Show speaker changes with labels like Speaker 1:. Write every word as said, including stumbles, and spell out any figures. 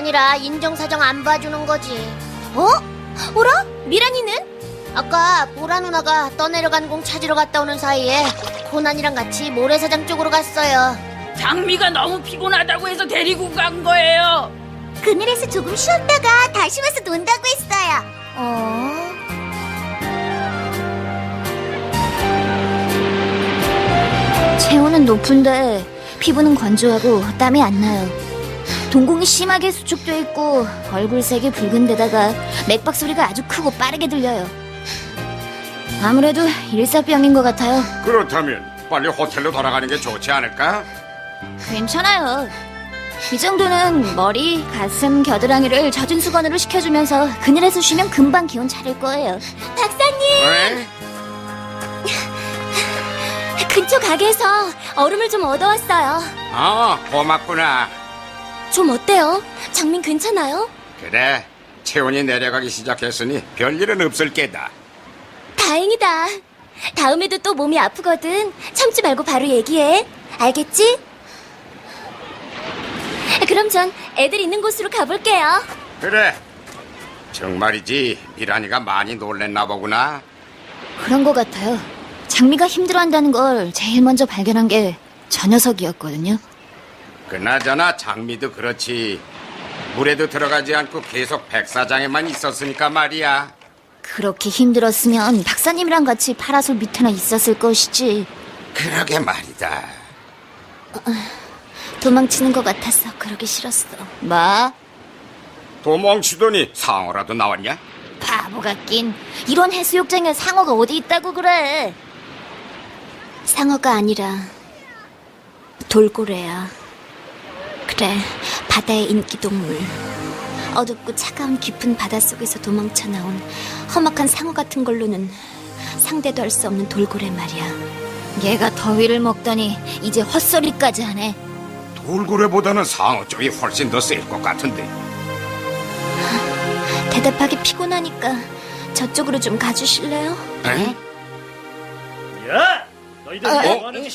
Speaker 1: 아니라 인정사정 안 봐주는 거지.
Speaker 2: 어? 어라? 미란이는?
Speaker 1: 아까 보라 누나가 떠내려간 공 찾으러 갔다 오는 사이에 코난이랑 같이 모래사장 쪽으로 갔어요.
Speaker 3: 장미가 너무 피곤하다고 해서 데리고 간 거예요.
Speaker 2: 그늘에서 조금 쉬었다가 다시 와서 논다고 했어요. 어? 체온은 높은데 피부는 건조하고 땀이 안 나요. 동공이 심하게 수축돼 있고 얼굴색이 붉은 데다가 맥박 소리가 아주 크고 빠르게 들려요. 아무래도 일사병인 것 같아요.
Speaker 4: 그렇다면 빨리 호텔로 돌아가는 게 좋지 않을까?
Speaker 2: 괜찮아요. 이 정도는 머리, 가슴, 겨드랑이를 젖은 수건으로 식혀주면서 그늘에서 쉬면 금방 기운 차릴 거예요. 박사님!
Speaker 4: 왜?
Speaker 2: 근처 가게에서 얼음을 좀 얻어왔어요.
Speaker 4: 아, 고맙구나.
Speaker 2: 좀 어때요? 장민 괜찮아요?
Speaker 4: 그래, 체온이 내려가기 시작했으니 별일은 없을 게다.
Speaker 2: 다행이다. 다음에도 또 몸이 아프거든. 참지 말고 바로 얘기해. 알겠지? 그럼 전 애들 있는 곳으로 가볼게요.
Speaker 4: 그래, 정말이지 미란이가 많이 놀랬나 보구나.
Speaker 2: 그런 것 같아요. 장미가 힘들어한다는 걸 제일 먼저 발견한 게 저 녀석이었거든요.
Speaker 4: 그나저나 장미도 그렇지. 물에도 들어가지 않고 계속 백사장에만 있었으니까 말이야.
Speaker 2: 그렇게 힘들었으면 박사님이랑 같이 파라솔 밑에나 있었을 것이지.
Speaker 4: 그러게 말이다.
Speaker 2: 도망치는 것 같아서 그러기 싫었어. 뭐?
Speaker 4: 도망치더니 상어라도 나왔냐?
Speaker 2: 바보 같긴. 이런 해수욕장에 상어가 어디 있다고 그래. 상어가 아니라 돌고래야. 그래, 바다의 인기동물. 어둡고 차가운 깊은 바닷속에서 도망쳐 나온 험악한 상어 같은 걸로는 상대도 할 수 없는 돌고래 말이야. 얘가 더위를 먹더니 이제 헛소리까지 하네.
Speaker 4: 돌고래보다는 상어 쪽이 훨씬 더 셀 것 같은데.
Speaker 2: 대답하기 피곤하니까 저쪽으로 좀 가주실래요?
Speaker 4: 에?
Speaker 5: 야! 너희들
Speaker 2: 어?
Speaker 5: 뭐 하는